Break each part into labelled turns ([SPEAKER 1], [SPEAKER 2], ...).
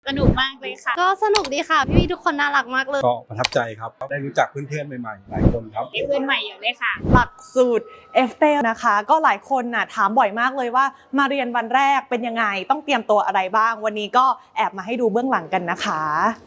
[SPEAKER 1] สนุกมากเลยค่ะ
[SPEAKER 2] ก็สนุกดีค่ะพี่ๆทุกคนน่ารักมากเลย
[SPEAKER 3] ก็ประทับใจครับได้รู้จักเพื่อนๆใหม่ๆหลายคนครับ
[SPEAKER 1] ได้เพื่อนใหม่เยอะเลยค่ะ
[SPEAKER 4] หลักสูตร FT นะคะก็หลายคนน่ะถามบ่อยมากเลยว่ามาเรียนวันแรกเป็นยังไงต้องเตรียมตัวอะไรบ้างวันนี้ก็แอบมาให้ดูเบื้องหลังกันนะคะ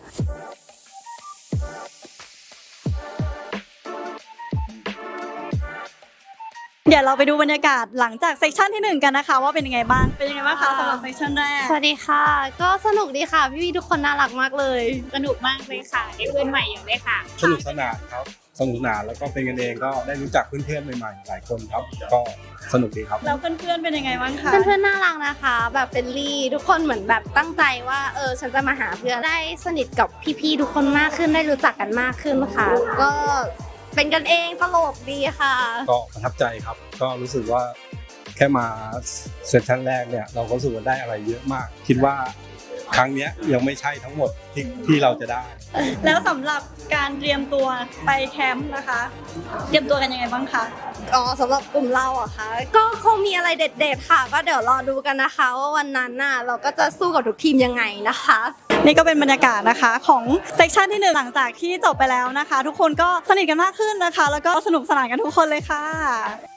[SPEAKER 5] เดี๋ยวเราไปดูบรรยากาศหลังจากเซสชันที่1กันนะคะว่าเป็นยังไงบ้างคะสำหรับเซสชันแรก
[SPEAKER 2] สวัสดีค่ะก็สนุกดีค่ะพี่ๆทุกคนน่ารักมากเลย
[SPEAKER 1] สนุกมากเลยค่ะได้เพื่อนใหม่เยอะเลยค่ะ
[SPEAKER 3] สนุกสนานครับสนุกสนานแล้วก็เป็นกันเองก็ได้รู้จักเพื่อนๆใหม่ๆหลายคนครับก็สนุกดีครับ
[SPEAKER 5] แล้วเพื่อนๆเป็นยังไงบ้างคะ
[SPEAKER 2] เพื่อนๆน่ารักนะคะแบบเฟรนลี่ทุกคนเหมือนแบบตั้งใจว่าฉันจะมาหาเพื่อนได้สนิทกับพี่ๆทุกคนมากขึ้นได้รู้จักกันมากขึ้นค่ะก็เป็นกันเองตลกดีค่ะ
[SPEAKER 3] ก็ประทับใจครับก็รู้สึกว่าแค่มาเซสชั่นแรกเนี่ยเราก็รู้สึกว่าได้อะไรเยอะมากคิดว่าครั้งนี้ยังไม่ใช่ทั้งหมดที่เราจะได้
[SPEAKER 5] แล้วสำหรับการเตรียมตัวไปแคมป์นะคะเตรียมตัวกันยังไงบ้างคะ
[SPEAKER 2] สำหรับกลุ่มเราอะค่ะก็คงมีอะไรเด็ดๆค่ะก็เดี๋ยวรอดูกันนะคะว่าวันนั้นน่ะเราก็จะสู้กับทุกทีมยังไงนะคะ
[SPEAKER 5] นี่ก็เป็นบรรยากาศนะคะของเซสชันที่1หลังจากที่จบไปแล้วนะคะทุกคนก็สนิทกันมากขึ้นนะคะแล้วก็สนุกสนานกันทุกคนเลยค่ะ